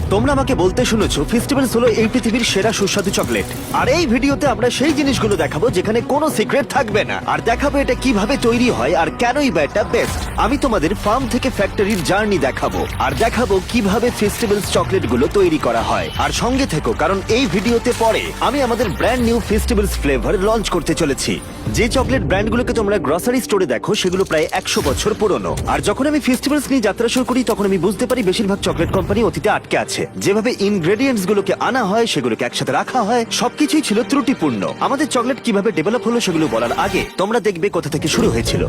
তোমরা আমাকে বলতে শুনেছো ফেস্টিভ্যালস হলো এই পৃথিবীর সেরা সুস্বাদু চকলেট, আর এই ভিডিওতে আমরা সেই জিনিসগুলো দেখাবো যেখানে কোনো সিক্রেট থাকবে না, আর দেখাবো এটা কিভাবে তৈরি হয় আর কেনই বা এটা বেস্ট। আমি তোমাদের ফার্ম থেকে ফ্যাক্টরির জার্নি দেখাবো, আর দেখাবো কিভাবে ফেস্টিভ্যালস চকলেটগুলো তৈরি করা হয়। আর সঙ্গে থেকো, কারণ এই ভিডিওতে পরে আমি আমাদের brand new festivals flavour launch করতে চলেছি। যে চকলেট ব্র্যান্ডগুলোকে তোমরা গ্রসারি স্টোরে দেখো সেগুলো প্রায় 100 বছর পুরনো। আর যখন আমি ফেস্টিভ্যালস নিয়ে যাত্রা শুরু করি তখন আমি বুঝতে পারি বেশিরভাগ চকলেট কোম্পানি অতীতে আটকে আছে। যেভাবে ইনগ্রেডিয়েন্টস গুলোকে আনা হয়, সেগুলোকে একসাথে রাখা হয়, সবকিছুই ছিল ত্রুটিপূর্ণ। আমাদের চকলেট কিভাবে ডেভেলপ হলো সেগুলো বলার আগে তোমরা দেখবে কোথা থেকে শুরু হয়েছিল।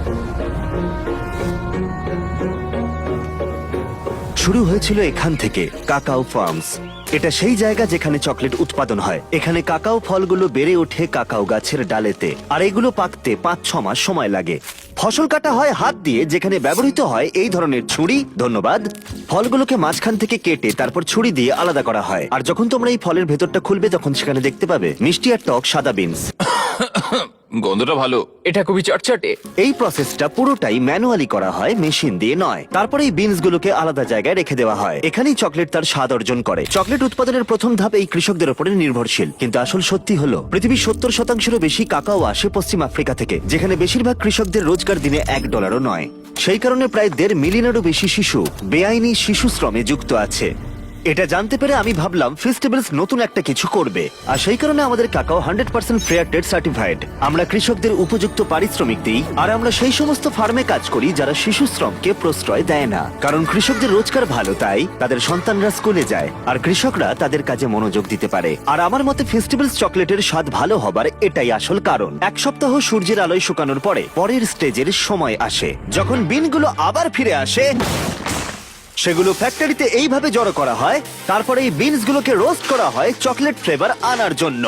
শুরু হয়েছিল এখান থেকে, কাকাও ফার্মস। এটা সেই জায়গা যেখানে চকলেট উৎপাদন হয়। এখানে কাকাও ফলগুলো বেড়ে ওঠে কাকাও গাছের ডালেতে, আর এগুলো পাকতে 5-6 মাস সময় লাগে। ফসল কাটা হয় হাত দিয়ে, যেখানে ব্যবহৃত হয় এই ধরনের ছুরি। ধন্যবাদ। ফলগুলোকে মাঝখান থেকে কেটে তারপর ছুরি দিয়ে আলাদা করা হয়। আর যখন তোমরা এই ফলের ভেতরটা খুলবে তখন সেখানে দেখতে পাবে মিষ্টি আর টক সাদা বিনস। গন্ধটা ভালো। এটা খুবই চটচটে। এই প্রসেসটা পুরোটাই ম্যানুয়ালি করা হয়, মেশিন দিয়ে নয়। তারপরে এই বিনস গুলোকে আলাদা জায়গায় রেখে দেওয়া হয়। এখানেই চকলেট তার স্বাদ অর্জন করে। চকলেট উৎপাদনের প্রথম ধাপ এই কৃষকদের উপরে নির্ভরশীল, কিন্তু আসল সত্যি হলো পৃথিবীর 70%-এরও বেশি কাকাও আসে পশ্চিম আফ্রিকা থেকে, যেখানে বেশিরভাগ কৃষকদের রোজগার দিনে $1ও নয়। সেই কারণে প্রায় 1.5 মিলিয়নেরও বেশি শিশু বেআইনি শিশু শ্রমে যুক্ত আছে। এটা জানতে পেরে আমি ভাবলাম ফেস্টিভ্যালস নতুন একটা কিছু করবে, আর সেই কারণে আমাদের কাকাও 100% ফেয়ার ট্রেড সার্টিফাইড। আমরা কৃষকদের উপযুক্ত পারিশ্রমিক দিই, আর আমরা সেই সমস্ত ফার্মে কাজ করি যারা শিশু শ্রমকে প্রশ্রয় দেয় না। কারণ কৃষকদের রোজগার ভালো, তাই তাদের সন্তানরা স্কুলে যায় আর কৃষকরা তাদের কাজে মনোযোগ দিতে পারে। আর আমার মতে ফেস্টিভ্যালস চকলেটের স্বাদ ভালো হবার এটাই আসল কারণ। এক সপ্তাহ সূর্যের আলোয় শুকানোর পরে পরের স্টেজের সময় আসে, যখন বিনগুলো আবার ফিরে আসে। সেগুলো ফ্যাক্টরিতে এইভাবে জড়ো করা হয়, তারপরে এই বিনস গুলোকে রোস্ট করা হয় চকলেট ফ্লেভার আনার জন্য।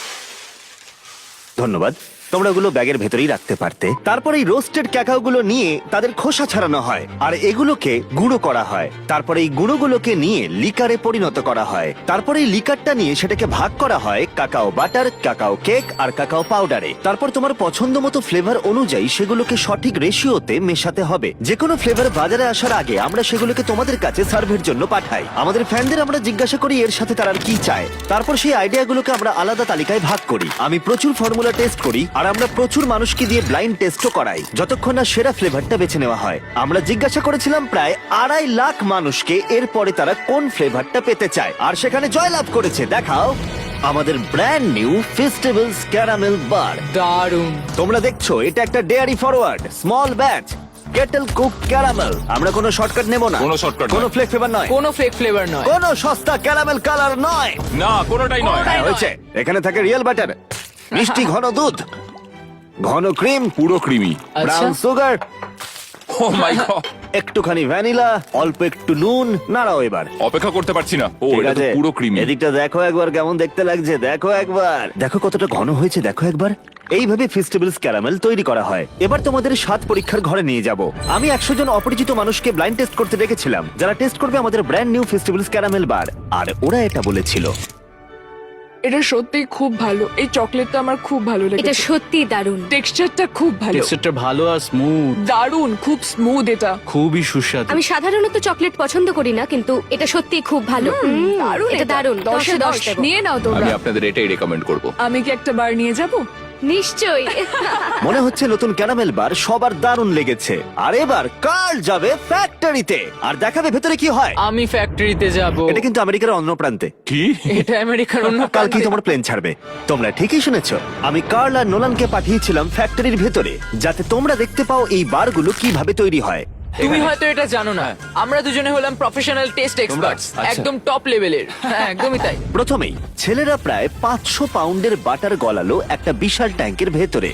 ধন্যবাদ। তোমরা ওগুলো ব্যাগের ভেতরেই রাখতে পারতে। তারপর এই রোস্টেড ক্যাকাও গুলো নিয়ে তাদের খোসা ছাড়ানো হয়, আর এগুলোকে গুঁড়ো করা হয়। তারপরে এই গুঁড়োগুলোকে নিয়ে লিকারে পরিণত করা হয়। তারপরে এই লিকারটা নিয়ে সেটাকে ভাগ করা হয় কাকাও বাটার, কাকাও কেক আর কাকাও পাউডারে। তারপর তোমার পছন্দ মতো ফ্লেভার অনুযায়ী সেগুলোকে সঠিক রেশিওতে মেশাতে হবে। যে কোনো ফ্লেভার বাজারে আসার আগে আমরা সেগুলোকে তোমাদের কাছে সার্ভের জন্য পাঠাই। আমাদের ফ্যানদের আমরা জিজ্ঞাসা করি এর সাথে তারা কি চায়। তারপর সেই আইডিয়াগুলোকে আমরা আলাদা তালিকায় ভাগ করি। আমি প্রচুর ফর্মুলা টেস্ট করি, আর আমরা প্রচুর মানুষকে দিয়ে ব্লাইন্ড টেস্টও করাই যতক্ষণ না সেরা ফ্লেভারটা বেছে নেওয়া হয়। আমরা জিজ্ঞাসা করেছিলাম প্রায় 2.5 লাখ মানুষকে এরপরে তারা কোন ফ্লেভারটা পেতে চায়, আর সেখানে জয়লাভ করেছে দেখাও আমাদের brand new festivals caramel bar. দারুণ। তোমরা দেখছো এটা একটা dairy forward small batch kettle cook caramel. আমরা কোনো শর্টকাট নেব না, কোনো shortcut কোনো নয়। ফ্লেক ফ্লেভার নয়, কোনো ফেক ফ্লেভার নয়। কোনো সস্তা ক্যারামেল কালার নয়। না, কোনোটাই নয়। হ্যাঁ, হয়েছে। এখানে থাকে রিয়েল বাটার, মিষ্টি ঘন দুধ, ঘন ক্রিম, পুরো creamy. Brown sugar, oh my god, একটুখানি ভ্যানিলা, অল্প একটু নুন। নাড়াও এবার। অপেক্ষা করতে পারছি না। ও, ঠিক এটা তো আছে, পুরো ক্রিমি। এদিকটা দেখো একবার কেমন দেখতে লাগছে। দেখো একবার, দেখো কতটা ঘন হয়েছে। দেখো একবার। এইভাবে ফেস্টিভ্যালস ক্যারামেল তৈরি করা হয়। এবার তোমাদের স্বাদ পরীক্ষার ঘরে নিয়ে যাব। আমি 100 জন অপরিচিত মানুষকে ব্লাইন্ড টেস্ট করতে ডেকেছিলাম, যারা টেস্ট করবে আমাদের brand new festivals caramel bar. আর ওরা এটা বলেছিল, এটা সত্যি খুব ভালো। এই চকলেটটা আমার খুব ভালো এটা লেগেছে। সত্যি দারুণ। টেক্সচারটা খুব ভালো, টেক্সচারটা ভালো আর স্মুথ, দারুণ, খুব স্মুথ। এটা খুবই সুস্বাদু। আমি সাধারণত চকলেট পছন্দ করি না, কিন্তু এটা সত্যি খুব ভালো। দারুণ, এটা দারুণ। 10 এ 10 দেবো। নিয়ে নাও তোমরা। আমি আপনাদের এটাই রেকমেন্ড করব। আমি কি একটা বার নিয়ে যাব? নিশ্চয়ই। মনে হচ্ছে নতুন ক্যারামেল বার সবার দারুণ লেগেছে। আর এবার কার্ল যাবে ফ্যাক্টরিতে আর দেখাবে ভেতরে কি হয়। আমি ফ্যাক্টরিতে যাব। এটা কিন্তু আমেরিকার অন্য প্রান্তে। কি? এটা আমেরিকার অন্য কাল কি প্রান্তে। তোমার প্লেন ছাড়বে। তোমরা ঠিকই শুনেছো। আমি কার্ল আর নোলানকে পাঠিয়েছিলাম ফ্যাক্টরির ভেতরে, যাতে তোমরা দেখতে পাও এই বারগুলো কিভাবে তৈরি হয়। তুমি হয়তো এটা জানো না, আমরা দুজনে হলাম প্রফেশনাল টেস্ট এক্সপার্টস, আচ্ছা। একদম টপ লেভেলের। হ্যাঁ, একদমই তাই। প্রথমেই ছেলেরা প্রায় 500 পাউন্ডের বাটার গলালো একটা বিশাল ট্যাঙ্কের ভেতরে।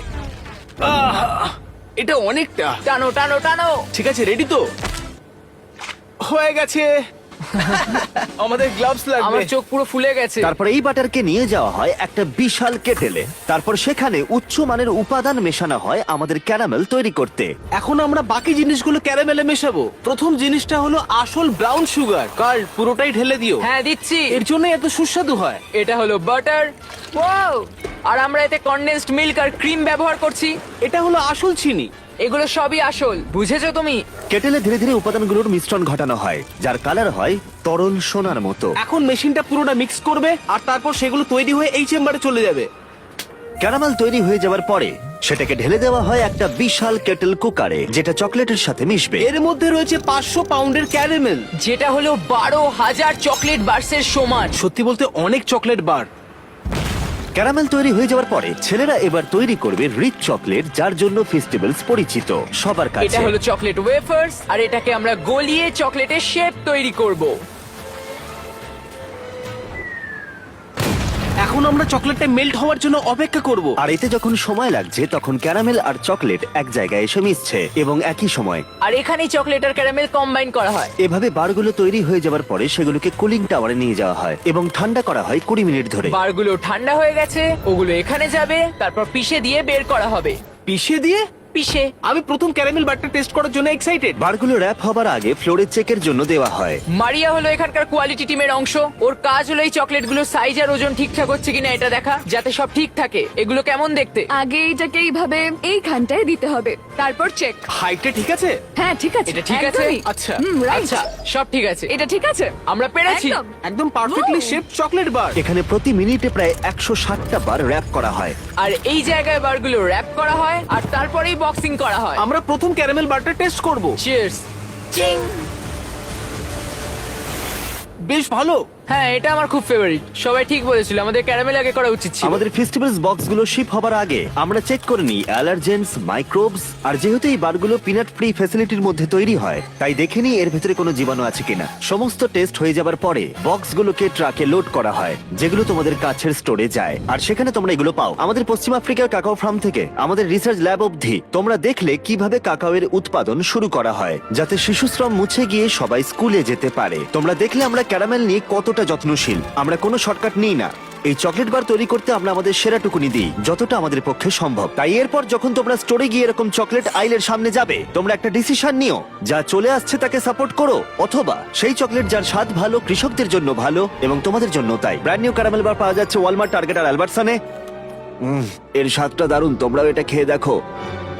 এটা অনেকটা। টানো টানো টানো। ঠিক আছে, রেডি তো? হয়ে গেছে। আমাদের গ্লাভস লাগবে। আমার চোখ পুরো ফুলে গেছে। তারপর এই বাটারকে নিয়ে যাওয়া হয় একটা বিশাল কেটেলে। তারপর সেখানে উচ্চ মানের উপাদান মেশানো হয় আমাদের ক্যারামেল তৈরি করতে। এখন আমরা বাকি জিনিসগুলো ক্যারামেলে মেশাবো। প্রথম জিনিসটা হলো আসল ব্রাউন সুগার। কার্ল, পুরোটাই ঢেলে দিও। হ্যাঁ, দিচ্ছি। এর জন্য এত সুস্বাদু হয়। এটা হলো বাটার। ওয়াও! আর আমরা এতে কনডেন্সড মিল্ক আর ক্রিম ব্যবহার করছি। এটা হলো আসল চিনি। এগুলো সবই আসল, বুঝেছো তুমি? কেটেলে ধীরে ধীরে উপাদানগুলোর মিশ্রণ ঘটানো হয়, যার কালার হয় তরল সোনার মতো। এখন মেশিনটা পুরোটা মিক্স করবে আর তারপর সেগুলো তৈরি হয়ে এই চেম্বারে চলে যাবে। ক্যারামেল তৈরি হয়ে যাওয়ার পরে সেটাকে ঢেলে দেওয়া হয় একটা বিশাল কেটেল কুকারে, যেটা চকলেটের সাথে মিশবে। এর মধ্যে রয়েছে 500 পাউন্ডের ক্যারামেল। যেটা হলো 12,000 চকলেট বার্সের সমান। সত্যি বলতে অনেক চকলেট বার। ক্যারামেল তৈরি হয়ে যাওয়ার পরে ছেলেরা এবার তৈরি করবে রিচ চকলেট, যার জন্য ফেস্টিভ্যালস পরিচিত সবার এটা কাছে। হলো চকলেট ওয়েফার্স, আর এটাকে আমরা গলিয়ে চকলেটের শেপ তৈরি করব। এখন আমরা চকলেটটা মেল্ট হওয়ার জন্য অপেক্ষা করব। আর এতে যখন সময় লাগছে তখন ক্যারামেল আর চকলেট এক জায়গায় এসে মিশছে এবং একই সময়। আর এখানেই চকলেট আর ক্যারামেল কম্বাইন করা হয়। এভাবে বারগুলো তৈরি হয়ে যাওয়ার পরে সেগুলোকে কুলিং টাওয়ারে নিয়ে যাওয়া হয় এবং ঠান্ডা করা হয় 20 মিনিট ধরে। বারগুলো ঠান্ডা হয়ে গেছে, ওগুলো এখানে যাবে, তারপর পিষে দিয়ে বের করা হবে। পিষে দিয়ে? পিষে। আমি প্রথম ক্যারামেল বারটা টেস্ট করার জন্য এক্সাইটেড। বারগুলো র্যাপ হবার আগে ফ্লোরে চেকের জন্য দেওয়া হয়। মারিয়া হলো এখানকার কোয়ালিটি টিমের অংশ। ওর কাজ হলো এই চকলেটগুলো সাইজ আর ওজন ঠিকঠাক হচ্ছে কিনা এটা দেখা, যাতে সব ঠিক থাকে। এগুলো কেমন দেখতে? আগে এইটাকে এইভাবে এইখানটায় দিতে হবে, তারপর চেক। হাইটটা ঠিক আছে? হ্যাঁ ঠিক আছে, এটা ঠিক আছে? একদমই। আচ্ছা। রাইট। আচ্ছা, সব ঠিক আছে। এটা ঠিক আছে, আমরা পেরেছি। একদম। একদম পারফেক্টলি শেপড চকলেট বার। এখানে প্রতি মিনিটে প্রায় 160টা বার র্যাপ করা হয়। আর এই জায়গায় বারগুলো র্যাপ করা হয় আর তারপরেই বক্সিং করা হয়। আমরা প্রথম ক্যারামেল বারটা টেস্ট করব। চিয়ার্স। চিং। বেশ ভালো। হ্যাঁ, এটা আমার খুব ফেভারিট। সবাই ঠিক বলেছিল, আমাদের ক্যারামেল আগে করা উচিত ছিল। আমাদের ফেস্টিভ্যালস বক্সগুলো শিপ হবার আগে আমরা চেক করে নিই অ্যালার্জেন্স, মাইক্রোবস, আর যেহেতু এই বারগুলো পিনাট ফ্রি ফ্যাসিলিটির মধ্যে তৈরি হয় তাই দেখে নিই এর ভেতরে কোনো জীবাণু আছে কিনা। সমস্ত টেস্ট হয়ে যাবার পরে বক্সগুলোকে ট্রাকে লোড করা হয়, যেগুলো তোমাদের কাছের স্টোরে যায়, আর সেখানে তোমরা এগুলো পাও। আমাদের পশ্চিম আফ্রিকার কাকাও ফার্ম থেকে আমাদের রিসার্চ ল্যাব অবধি তোমরা দেখলে কিভাবে কাকাওয়ের উৎপাদন শুরু করা হয়, যাতে শিশুশ্রম মুছে গিয়ে সবাই স্কুলে যেতে পারে। তোমরা দেখলে আমরা ক্যারামেল নিয়ে কতটা যত্নশীল। আমরা কোনো শর্টকাট নিই না। এই চকলেট বার তৈরি করতে আমরা আমাদের সেরাটুকুনি দিই, যতটা আমাদের পক্ষে সম্ভব। তাই এরপর যখন তোমরা স্টোরে গিয়ে এরকম চকলেট আইলের সামনে যাবে, তোমরা একটা ডিসিশন নিও, যা চলে আসছে তাকে সাপোর্ট করো, অথবা সেই চকলেট যার স্বাদ ভালো, কৃষকদের জন্য ভালো এবং তোমাদের জন্য তাই। ব্র্যান্ড নিউ ক্যারামেল বার পাওয়া যাচ্ছে ওয়ালমার্ট, টার্গেট আর অ্যালবার্টসনে। এর স্বাদটা দারুণ, তোমরাও এটা খেয়ে দেখো।